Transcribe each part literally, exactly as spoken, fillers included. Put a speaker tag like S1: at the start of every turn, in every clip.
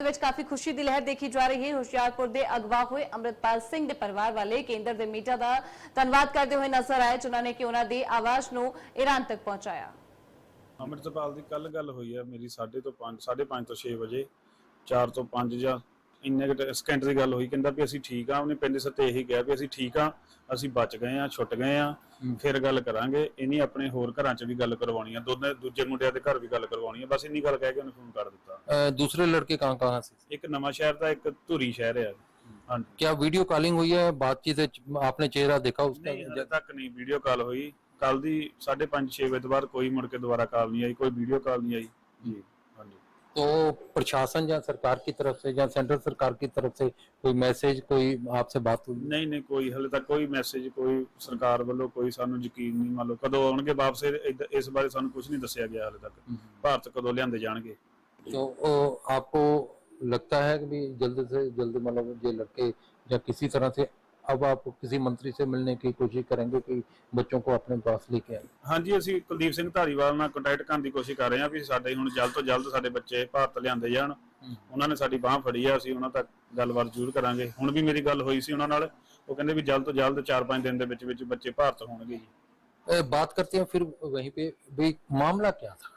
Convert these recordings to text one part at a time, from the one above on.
S1: ਵਿੱਚ ਕਾਫੀ ਖੁਸ਼ੀ ਦੀ ਲਹਿਰ ਦੇਖੀ ਜਾ ਰਹੀ ਹੈ। ਹੁਸ਼ਿਆਰਪੁਰ ਦੇ ਅਗਵਾ ਹੋਏ ਅੰਮ੍ਰਿਤਪਾਲ ਸਿੰਘ ਦੇ ਪਰਿਵਾਰ ਵਾਲੇ ਕੇਂਦਰ ਦੇ ਮੀਡੀਆ ਦਾ ਧੰਨਵਾਦ ਕਰਦੇ ਹੋਏ ਨਜ਼ਰ ਆਏ, ਜਿਨ੍ਹਾਂ ਨੇ ਕਿ ਉਹਨਾਂ ਦੀ ਆਵਾਜ਼ ਨੂੰ ਈਰਾਨ ਤੱਕ ਪਹੁੰਚਾਇਆ।
S2: ਅੰਮ੍ਰਿਤਪਾਲ ਦੀ ਕੱਲ ਗੱਲ ਹੋਈ ਹੈ ਮੇਰੀ ਸਾਢੇ ਤੋਂ ਪੰਜ ਸਾਢੇ ਪੰਜ ਤੋਂ ਛੇ ਵਜੇ ਚਾਰ ਤੋਂ ਪੰਜ ਜਾਂ ਇੰਨੇ ਕੁ ਸਕਿੰਟ ਦੀ ਗੱਲ ਹੋਈ। ਕਹਿੰਦਾ ਵੀ ਅਸੀਂ ਠੀਕ ਆ। ਉਹਨੇ ਪਿੰਡ ਸੱਤੇ ਇਹੀ ਕਿਹਾ ਵੀ ਅਸੀਂ ਠੀਕ ਆ, ਅਸੀਂ ਬਚ ਗਏ ਆ, ਛੁੱਟ ਗਏ ਆ, ਫਿਰ ਗੱਲ ਕਰਾਂਗੇ। ਇਹਨੀ ਆਪਣੇ ਹੋਰ ਘਰਾਂ 'ਚ ਵੀ ਗੱਲ ਕਰਵਾਉਣੀ ਆ, ਦੋਨੇ ਦੂਜੇ ਮੁੰਡਿਆਂ ਦੇ ਘਰ ਵੀ ਗੱਲ ਕਰਵਾਉਣੀ ਆ। ਬਸ ਇੰਨੀ ਗੱਲ ਕਹਿ ਕੇ ਉਹਨੇ ਫੋਨ ਕਰ ਦਿੱਤਾ।
S3: दूसरे लड़के कहाँ कहाँ से?
S2: ਇੱਕ ਨਵਾਂ ਸ਼ਹਿਰ ਦਾ, ਇੱਕ ਧੂਰੀ ਸ਼ਹਿਰ ਆ। ਹਾਂਜੀ,
S3: क्या वीडियो कॉलिंग हुई है, बातचीत है, आपने चेहरा देखा उसका?
S2: ਨਹੀਂ ਹਜੇ ਤੱਕ ਨਹੀਂ ਵੀਡੀਓ ਕਾਲ ਹੋਈ। ਕੱਲ ਦੀ ਸਾਢੇ ਪੰਜ ਛੇ ਵਜੇ ਤੋਂ ਬਾਅਦ ਕੋਈ ਮੁੜ ਕੇ ਦੁਬਾਰਾ ਕਾਲ ਨਹੀਂ ਆਈ, ਕੋਈ ਵੀਡੀਓ ਕਾਲ ਨਹੀਂ ਆਈ ਜੀ। ਹਾਂਜੀ,
S3: तो प्रशासन या सरकार की तरफ से या सेंट्रल सरकार की तरफ से कोई मैसेज, कोई आपसे बात हुई?
S2: ਨਹੀਂ ਨਹੀਂ ਕੋਈ ਹਲੇ ਤੱਕ ਕੋਈ ਮੈਸੇਜ, ਕੋਈ ਸਰਕਾਰ ਵੱਲੋਂ ਕੋਈ ਸਾਨੂੰ ਯਕੀਨ ਨਹੀਂ। ਮੰਨ ਲਓ ਕਦੋਂ ਆਉਣਗੇ ਵਾਪਸ, ਇਹ- ਇਸ ਬਾਰੇ ਸਾਨੂੰ ਕੁਝ ਨਹੀਂ ਦੱਸਿਆ ਗਿਆ ਹਲੇ ਤੱਕ। ਭਾਰਤ ਕਦੋਂ ਲਿਆਂਦੇ ਜਾਣਗੇ।
S3: तो ओ, आपको लगता है कि भी जल्द से जल्द मतलब ये लड़के या किसी तरह से अब आप किसी मंत्री से मिलने की कोशिश करेंगे कि बच्चों को अपने पास लेके आए?
S2: ਹਾਂਜੀ, ਅਸੀਂ ਕੁਲਦੀਪ ਸਿੰਘ ਧਾਰੀਵਾਲ ਨਾਲ ਕੰਟੈਕਟ ਕਰਨ ਦੀ ਕੋਸ਼ਿਸ਼ ਕਰ ਰਹੇ ਹਾਂ ਵੀ ਸਾਡੇ ਹੁਣ ਜਲਦ ਤੋਂ ਜਲਦ ਸਾਡੇ ਬੱਚੇ ਭਾਰਤ ਲਿਆਂਦੇ ਜਾਣ। ਉਹਨਾਂ ਨੇ ਸਾਡੀ ਬਾਹ ਫੜੀ ਆ, ਅਸੀਂ ਉਹਨਾਂ ਤੱਕ ਗੱਲਬਾਤ ਜ਼ਰੂਰ ਕਰਾਂਗੇ। ਹੁਣ ਵੀ ਮੇਰੀ ਗੱਲ ਹੋਈ ਸੀ ਉਹਨਾਂ ਨਾਲ, ਉਹ ਕਹਿੰਦੇ ਵੀ ਜਲਦ ਤੋਂ ਜਲਦ ਚਾਰ ਪੰਜ ਦਿਨ ਦੇ ਵਿੱਚ ਵਿੱਚ ਬੱਚੇ ਭਾਰਤ ਹੋਣਗੇ ਜੀ।
S3: ए, बात करते हैं फिर वहीं पे भी मामला क्या था?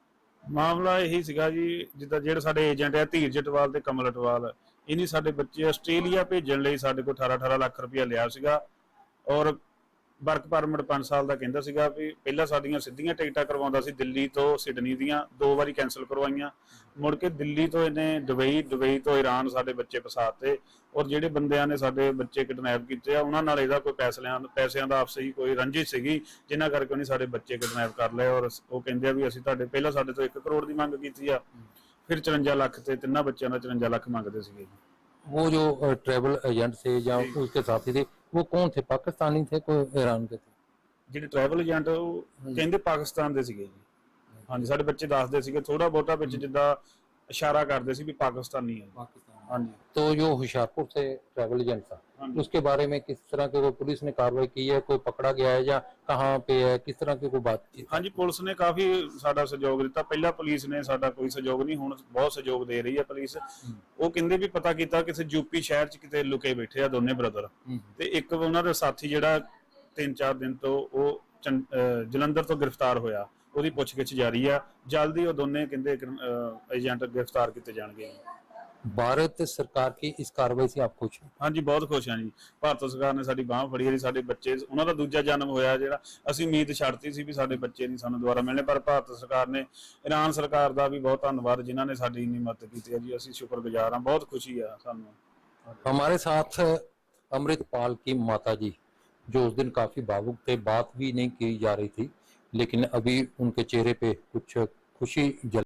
S2: ਮਾਮਲਾ ਇਹੀ ਸੀਗਾ ਜੀ, ਜਿੱਦਾਂ ਜਿਹੜੇ ਸਾਡੇ ਏਜੰਟ ਆ ਧੀਰ ਜਟਵਾਲ ਤੇ ਕਮਲ ਅਟਵਾਲ, ਇਹਨੀ ਸਾਡੇ ਬੱਚੇ ਆਸਟ੍ਰੇਲੀਆ ਭੇਜਣ ਲਈ ਸਾਡੇ ਕੋਲ ਅਠਾਰਾਂ ਅਠਾਰਾਂ ਲੱਖ ਰੁਪਇਆ ਲਿਆ ਸੀਗਾ। ਔਰ ਵਰਕ ਪਰਮਿਟ ਪੰਜ ਸਾਲ ਦਾ ਕਹਿੰਦਾ ਸੀਗਾ ਵੀ ਪਹਿਲਾਂ ਸਾਡੀਆਂ ਸਿੱਧੀਆਂ ਟਿਕਟਾਂ ਕਰਵਾਉਂਦਾ ਸੀ ਦਿੱਲੀ ਤੋਂ ਸਿਡਨੀ ਦੀਆਂ, ਦੋ ਵਾਰੀ ਕੈਂਸਲ ਕਰਵਾਈਆਂ। ਮੁੜ ਕੇ ਦਿੱਲੀ ਤੋਂ ਇਹਨੇ ਦੁਬਈ, ਦੁਬਈ ਤੋਂ ਈਰਾਨ ਸਾਡੇ ਬੱਚੇ ਫਸਾਤੇ। ਔਰ ਜਿਹੜੇ ਬੰਦਿਆਂ ਨੇ ਸਾਡੇ ਬੱਚੇ ਕਿਡਨੈਪ ਕੀਤੇ ਆ, ਉਹਨਾਂ ਨਾਲ ਇਹਦਾ ਕੋਈ ਪੈਸਿਆਂ ਪੈਸਿਆਂ ਦਾ ਆਪਸੀ ਕੋਈ ਰੰਜਿਸ਼ ਸੀਗੀ, ਜਿਨ੍ਹਾਂ ਕਰਕੇ ਉਹਨੇ ਸਾਡੇ ਬੱਚੇ ਕਿਡਨੈਪ ਕਰ ਲਏ। ਔਰ ਉਹ ਕਹਿੰਦੇ ਆ ਵੀ ਅਸੀਂ ਤੁਹਾਡੇ ਪਹਿਲਾਂ ਸਾਡੇ ਤੋਂ ਇੱਕ ਕਰੋੜ ਦੀ ਮੰਗ ਕੀਤੀ ਆ, ਫਿਰ ਚੁਰੰਜਾ ਲੱਖ ਤੇ ਤਿੰਨਾਂ ਬੱਚਿਆਂ ਦਾ ਚੁਰੰਜਾ ਲੱਖ मंगते ਸੀਗੇ।
S3: वो जो ट्रेवल एजेंट थे या उसके साथी थे, वो कौन थे? पाकिस्तानी थे, कोई ईरान के थे?
S2: ਜਿਹੜੇ ਟਰੈਵਲ ਏਜੰਟ ਉਹ ਕਹਿੰਦੇ ਪਾਕਿਸਤਾਨ ਦੇ ਸੀਗੇ ਜੀ। ਹਾਂਜੀ, ਸਾਡੇ ਬੱਚੇ ਦੱਸਦੇ ਸੀਗੇ ਥੋੜਾ ਬਹੁਤਾ ਵਿੱਚ ਜਿੱਦਾਂ ਇਸ਼ਾਰਾ ਕਰਦੇ ਸੀ ਵੀ ਪਾਕਿस्तानी है।
S3: पाकिस्तान।
S2: ਹਾਂਜੀ,
S3: तो जो होशियारपुर से ट्रैवल एजेंट था, उसके बारे में किस तरह की कोई पुलिस ने कार्रवाई की है, कोई पकड़ा गया है या कहाँ पे है, किस तरह की कोई बातचीत?
S2: ਹਾਂਜੀ ਪੁਲਿਸ ਨੇ ਕਾਫੀ ਸਾਡਾ ਸਹਿਯੋਗ ਦਿੱਤਾ। ਪਹਿਲਾਂ ਪੁਲਿਸ ਨੇ ਸਾਡਾ ਕੋਈ ਸਹਿਯੋਗ ਨਹੀਂ, ਹੁਣ ਬਹੁਤ ਸਹਿਯੋਗ ਦੇ ਰਹੀ ਹੈ ਪੁਲਿਸ। ਉਹ ਕਹਿੰਦੇ ਵੀ ਪਤਾ ਕੀਤਾ ਕਿਸੇ ਯੂਪੀ ਸ਼ਹਿਰ 'ਚ ਕਿਤੇ ਲੁਕੇ ਬੈਠੇ ਆ ਦੋਨੇ ਬ੍ਰਦਰ, ਤੇ ਇੱਕ ਉਹਨਾਂ ਦਾ ਸਾਥੀ ਜਿਹੜਾ ਤਿੰਨ ਚਾਰ ਦਿਨ ਤੋਂ ਉਹ ਜਲੰਧਰ ਤੋਂ ਗ੍ਰਿਫਤਾਰ ਹੋਇਆ, ਉਹਦੀ ਪੁੱਛਗਿੱਛ ਜਾਰੀ ਆ। ਜਲਦੀ ਉਹ ਦੋਨੇ ਕਹਿੰਦੇ ਏਜੰਟ ਗ੍ਰਿਫਤਾਰ ਕੀਤੇ ਜਾਣਗੇ।
S3: भारत सरकार की इस कार्रवाई से आप खुश हैं?
S2: ਹਾਂਜੀ, ਬਹੁਤ ਖੁਸ਼ ਹਾਂ ਜੀ। ਭਾਰਤ ਸਰਕਾਰ ਨੇ ਸਾਡੀ ਬਾਹ ਫੜੀ ਹੈ। ਸਾਡੇ ਬੱਚੇ, ਉਹਨਾਂ ਦਾ ਦੂਜਾ ਜਨਮ ਹੋਇਆ ਜਿਹੜਾ ਅਸੀਂ ਉਮੀਦ ਛੱਡਤੀ ਸੀ ਵੀ ਸਾਡੇ ਬੱਚੇ ਨਹੀਂ ਸਾਨੂੰ ਦੁਬਾਰਾ ਮਿਲਣੇ, ਪਰ ਭਾਰਤ ਸਰਕਾਰ ਨੇ, ਈਰਾਨ ਸਰਕਾਰ ਦਾ ਵੀ ਬਹੁਤ ਧੰਨਵਾਦ ਜਿਨ੍ਹਾਂ ਨੇ ਸਾਡੀ ਇੰਨੀ ਮਦਦ ਕੀਤੀ ਹੈ ਜੀ। ਅਸੀਂ ਸ਼ੁਕਰਗੁਜ਼ਾਰ ਹਾਂ, ਬਹੁਤ ਖੁਸ਼ੀ ਆ ਸਾਨੂੰ।
S3: हमारे साथ अमृतपाल की माता जी, जो उस दिन काफी भावुक थे, बात भी नहीं की जा रही थी, लेकिन अभी उनके चेहरे पे कुछ खुशी जल